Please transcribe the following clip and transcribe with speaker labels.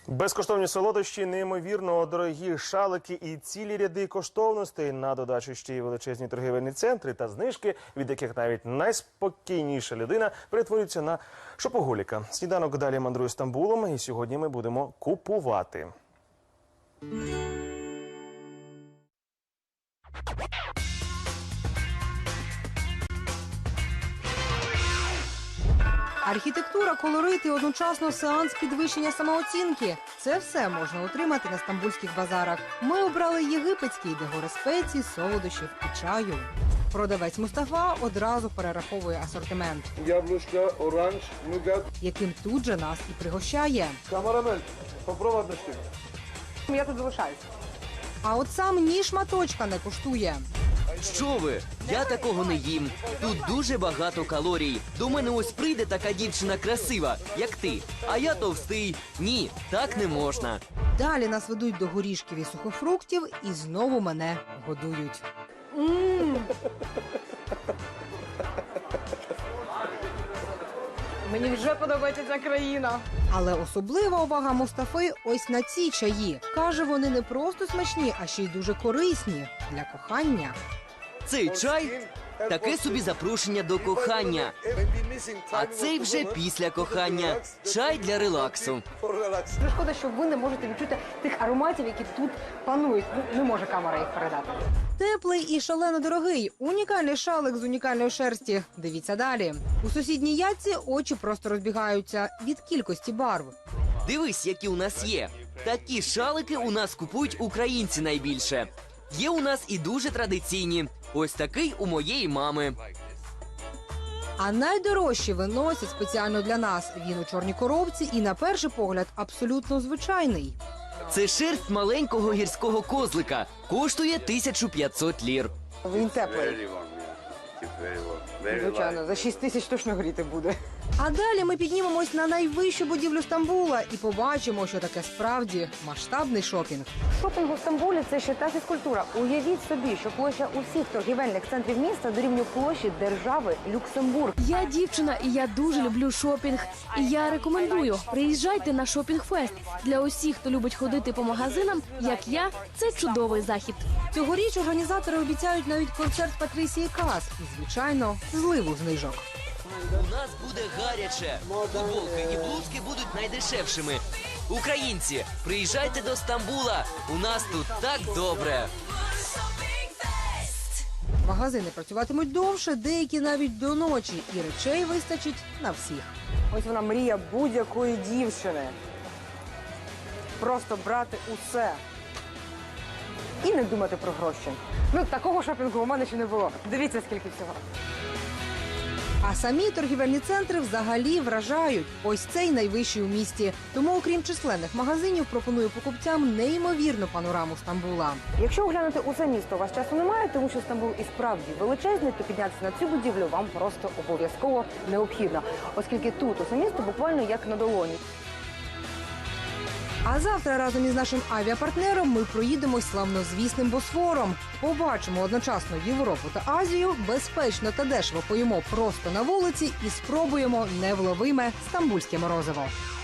Speaker 1: Безкоштовні солодощі, неймовірно дорогі шалики і цілі ряди коштовностей. На додачу ще й величезні торгівельні центри та знижки, від яких навіть найспокійніша людина перетворюється на шопоголіка. Сніданок далі мандрує Стамбулом, і сьогодні ми будемо купувати.
Speaker 2: Архітектура, колорит і одночасно сеанс підвищення самооцінки – це все можна отримати на стамбульських базарах. Ми обрали єгипетський, де гори спецій, солодощів і чаю. Продавець Мустафа одразу перераховує асортимент,
Speaker 3: Яблучка, оранж, нугат,
Speaker 2: яким тут же нас і пригощає.
Speaker 3: камарамель. Попробуй штук.
Speaker 2: Я тут залишаюсь. А от сам ні шматочка не коштує.
Speaker 4: Що ви? Я такого не їм. Тут дуже багато калорій. До мене ось прийде така дівчина красива, як ти. А я товстий. Ні, так не можна.
Speaker 2: Далі нас ведуть до горішків і сухофруктів і знову мене годують. Мені вже подобається ця країна. Але особлива увага Мустафи ось на ці чаї. Каже, вони не просто смачні, а ще й дуже корисні для кохання.
Speaker 4: Цей чай – таке собі запрошення до кохання. А цей вже після кохання. Чай для релаксу.
Speaker 2: Дуже шкода, що ви не можете відчути тих ароматів, які тут панують. Не може камера їх передати. Теплий і шалено дорогий. Унікальний шалик з унікальної шерсті. Дивіться далі. У сусідній ятці очі просто розбігаються від кількості барв.
Speaker 4: Дивись, які у нас є. Такі шалики у нас купують українці найбільше. Є у нас і дуже традиційні. Ось такий у моєї мами.
Speaker 2: А найдорожчі виносять спеціально для нас. Він у чорній коробці і, на перший погляд, абсолютно звичайний.
Speaker 4: Це шерсть маленького гірського козлика. Коштує 1500 лір.
Speaker 2: Він теплий. Звичайно, за 6 тисяч точно гріти буде. А далі ми піднімемось на найвищу будівлю Стамбула і побачимо, що таке справді масштабний шопінг.
Speaker 5: Шопінг у Стамбулі – це ще та фізкультура. Уявіть собі, що площа усіх торгівельних центрів міста дорівнює площі держави Люксембург.
Speaker 6: Я дівчина, і я дуже люблю шопінг. І я рекомендую, приїжджайте на шопінг-фест. Для усіх, хто любить ходити по магазинам, як я, це чудовий захід.
Speaker 2: Цьогоріч організатори обіцяють навіть концерт Патрісії Каас і, звичайно, зливу знижок.
Speaker 4: У нас буде гаряче. Футболки і блузки будуть найдешевшими. Українці, приїжджайте до Стамбула. У нас тут так добре.
Speaker 2: Магазини працюватимуть довше, деякі навіть до ночі. І речей вистачить на всіх.
Speaker 5: Ось вона мрія будь-якої дівчини. Просто брати усе. І не думати про гроші. Ну, такого шопінгу у мене ще не було. Дивіться, скільки всього.
Speaker 2: А самі торгівельні центри взагалі вражають. Ось цей найвищий у місті. Тому, окрім численних магазинів, пропоную покупцям неймовірну панораму Стамбула.
Speaker 5: Якщо оглянути усе місто, у вас часу немає, тому що Стамбул і справді величезний, то піднятися на цю будівлю вам просто обов'язково необхідно. Оскільки тут усе місто буквально як на долоні.
Speaker 2: А завтра разом із нашим авіапартнером ми проїдемось славнозвісним Босфором. Побачимо одночасно Європу та Азію, безпечно та дешево поїмо просто на вулиці і спробуємо невловиме стамбульське морозиво.